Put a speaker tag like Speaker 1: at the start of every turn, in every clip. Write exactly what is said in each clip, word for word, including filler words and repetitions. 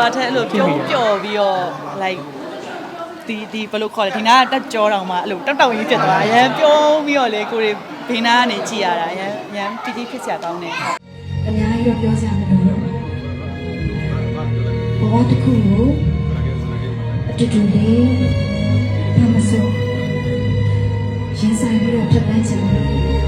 Speaker 1: ဆိုတာတဲ့အဲ့လိုပြုံးပျော်ပြီးတော့ like ဒီဒီဘယ်လိုခေါ်လဲဒီနားတက်ကြောတောင်မှအဲ့လိုတောက်တောက်ကြီးဖြစ်သွားအရန်ပြုံးပြီးတော့လေကိုတွေဘေးနားကနေကြည့်ရတာအရန်အရန်တီတီဖြစ်စရာကောင်းတယ်
Speaker 2: အများကြီးတော့ပြောစရာမလိုဘူးဘဝတစ်ခုကိုအတူတူလေးဘာမစိုးရင်ဆိုင်ပြီးတော့ဖြတ်တန်းချင်တယ်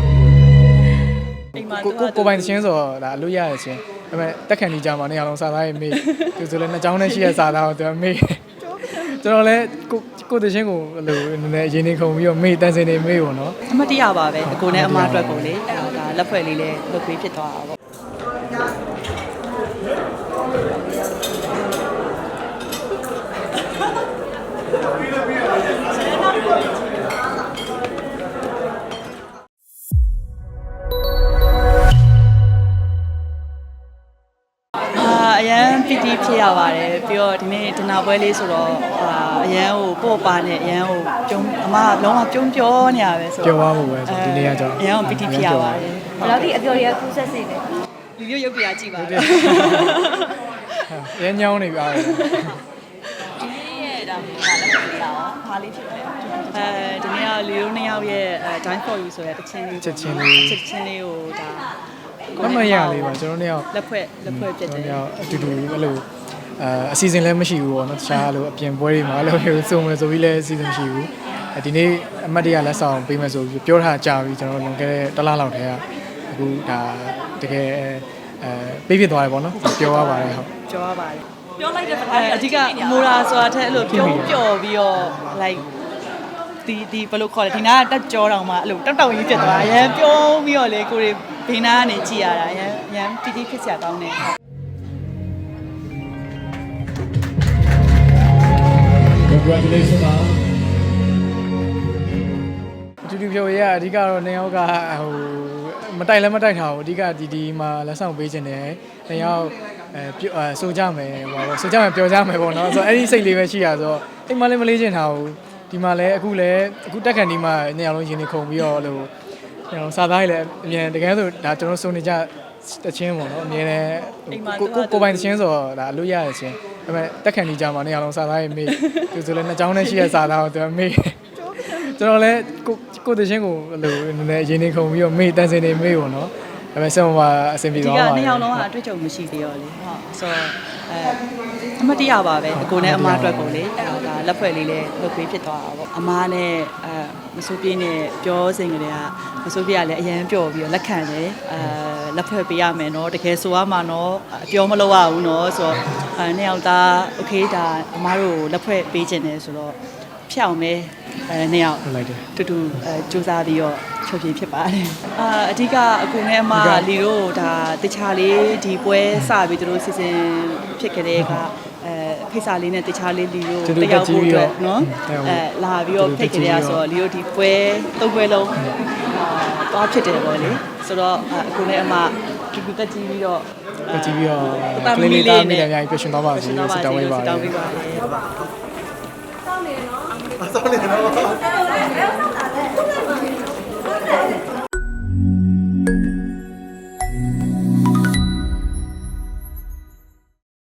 Speaker 3: ကိုကိုကိုပိုင်ချင်းဆိုတော့ဒါအလို့ရရချင်းဒါပေမဲ့တက်ခံနေကြမှာနေရာလုံးစာသားရေးမေးသူဆိုလည်းနှစ်ချောင်းနဲ့ရှိရစာသားကိုသူကမေးကျွန်တော်လည်းကိုကိုတချင်းကိုအဲ့လိုနည်းနည်းရင်းနေခုံပြီးတော့မေးတန်းစင်နေမေးပေါ့နော်
Speaker 1: အမတရားပါပဲအကိုနဲ့အမအတွက်ကိုလေဒါလက်ဖွဲ့လေးလည်းလုပ်ပေးဖြစ်သွားတာပေါ့အရန်ပီတီဖြစ်ရပါတယ်ပြီးတော့ဒီနေ့ဒနာပွဲလေးဆိုတော့အာအရန်ဟိုပို့ပါနဲ့အရန်ဟိုကျုံအမလုံးဝကျုံပြောနေရပဲဆို
Speaker 3: တော့ပြောသွားဖို့ပဲဆိုဒီနေ့ကကြောင့်
Speaker 1: အရန်ပီတီဖြစ်ရပါတယ်
Speaker 4: ဘယ်လောက်ဒီအပြော်တွေကကူးဆက်စေလဲ
Speaker 1: ဗီဒီယိုရုပ်ပြကြည့်ပါ
Speaker 3: ဦးရန်ညောင်းနေပြီအား
Speaker 1: ဒီနေ့ရဲ့ဒါကလည်းပြရအောင်ဘာလေးဖြစ်လဲအဲဒီနေ့ကလီရိုနှစ်ယောက်ရဲ့အဲ Dine for You ဆိုတဲ့တချင်းလေး
Speaker 3: ချက်ချင်းလေး
Speaker 1: ချက်ချင်းလေးကိုဒါ
Speaker 3: မမရလေးပါကျွန်တော်တို့
Speaker 1: လက်ဖွဲ့လက်ဖွဲ့ဖြစ်တယ်
Speaker 3: ကျွန်တော်အတူတူအဲ့လိုအအစီအစဉ်လည်းမရှိဘူးပေါ့နော်တခြားလိုအပြင်ပွဲတွေမှာအဲ့လိုမျိုးစုံမယ်ဆိုပြီးလည်းအစီအစဉ်မရှိဘူးဒီနေ့အမတ်တရလက်ဆောင်ပေးမယ်ဆိုပြီးပြောထားကြပြီကျွန်တော်လွန်ခဲ့တဲ့တစ်လလောက်တည်းကအခုဒါတကယ်အဲပေးဖြစ်သွားတယ်ပေါ့နော်ပြောရပါတယ်ဟုတ်
Speaker 1: ပြောရပါတယ်ပြောလိုက်တဲ့ပထမအဓိကမိုရာဆိုတာတဲ့အဲ့လိုပြုံးပျော်ပြီးတော့ likeဒီဒီဘယ်လိုခေါ်လဲဒီနားတက်ကြောတောင်မှအဲ့လိုတောက်တောက်ကြီးဖြစ်သွားအရန်ပြုံးပြီးတော့လေကိုတွေဘေးနားကနေကြည့်ရတာအရန်အရန်တီတီဖြစ်စရာကောင်းတယ်
Speaker 3: Congratulations ပါတူတူပြောရအဓိကတော့နေရောက်ကဟိုမတိုက်လည်းမတိုက်ထားဘူးအဓိကဒီဒီမှာလက်ဆောင်ပေးခြင်းတယ်နေရောက်အဲဆိုကြမယ်ဟိုဆိုကြမယ်ပြောကြမယ်ပေါ့နော်ဆိုတော့အဲ့ဒီစိတ်လေးပဲရှိရဆိုတော့အိမ်မလည်းမလေးချင်ထားဘူးဒီမှာလည်းအခုလည်းအခုတက်ခံဒီမှာနေရာလုံးရင်းနေခုံပြီးတော့လို့ကျွန်တော်စာသားကြီးလည်းအမြင်တကယ်ဆိုဒါကျွန်တော်စုံနေကြတချင်းပေါ့နော်အမြင်လည်းကိုကိုကိုပိုင်တချင်းဆိုတော့ဒါအလို့ရရချင်းဒါပေမဲ့တက်ခံနေကြမှာနေရာလုံးစာသားကြီးမေးသူဆိုလည်းနှစ်ချောင်းနဲ့ရှိရစာသားကိုသူမေးကျွန်တော်လည်းကိုကိုတချင်းကိုအဲ့လိုနည်းနည်းရင်းနေခုံပြီးတော့မေးတန်းစင်နေမေးပေါ့နော်ဒါပေမဲ့ဆက်မှာအဆင်ပြေသွား
Speaker 1: ပါတယ်ဒီကနှစ်ယောက်လုံးကအတွေ့အကြုံမရှိသေးရောလေဟုတ်ဆိုတော့အဲအမတရားပါပဲအကိုနဲ့အမအတွက်ကိုလေဒါလက်ဖွဲ့လေးလည်းလုပ်ပေးဖြစ်သွားတာပေါ့အမနဲ့အဲမစိုးပြေးနဲ့ပြောစင်ကလေးကမစိုးပြေးကလည်းအရန်ပျော်ပြီးတော့လက်ခံတယ်အဲလက်ဖွဲ့ပေးရမယ်နော်တကယ်ဆိုရမှာနော်အပြောမလုပ်ရဘူးနော်ဆိုတော့အဲနှစ်ယောက်သားโอเคဒါအမတို့လက်ဖွဲ့ပေးခြင်းတယ်ဆိုတော့ဖြောင်းမဲအဲနှစ်ယောက်တူတူအဲစူးစမ်းပြီးတော့ချုပ်ပြဖြစ်ပါတယ်အာအဓိကအကူနဲ့အမလီတို့ဒါတခြားလေးဒီပွဲစပြီးတို့စီစဉ်ဖြစ်ကြတဲ့ကအဲဖိစာလေးနဲ့တခြားလေးလီတို့တယောက်ဖို့အတွက်နော်အဲလာပြီးတော့ဖိတ်ကြရဆိုတော့လီတို့ဒီပွဲသုံးပွဲလုံးအာတော့ဖြစ်တယ်ပေါ့လေဆိုတော့အကူနဲ့အမတူတူတက်ကြည့်ပြီးတော့
Speaker 3: တက်ကြည့်ပြီးတော့ကလေးလေးသားမိတယ်အများကြီးပြရှင်သွားပါစေစတောင်းပေးပါ
Speaker 1: တောင်းပေးပါ
Speaker 5: ဆောင်းနေနော်ဆောင်းနေနော်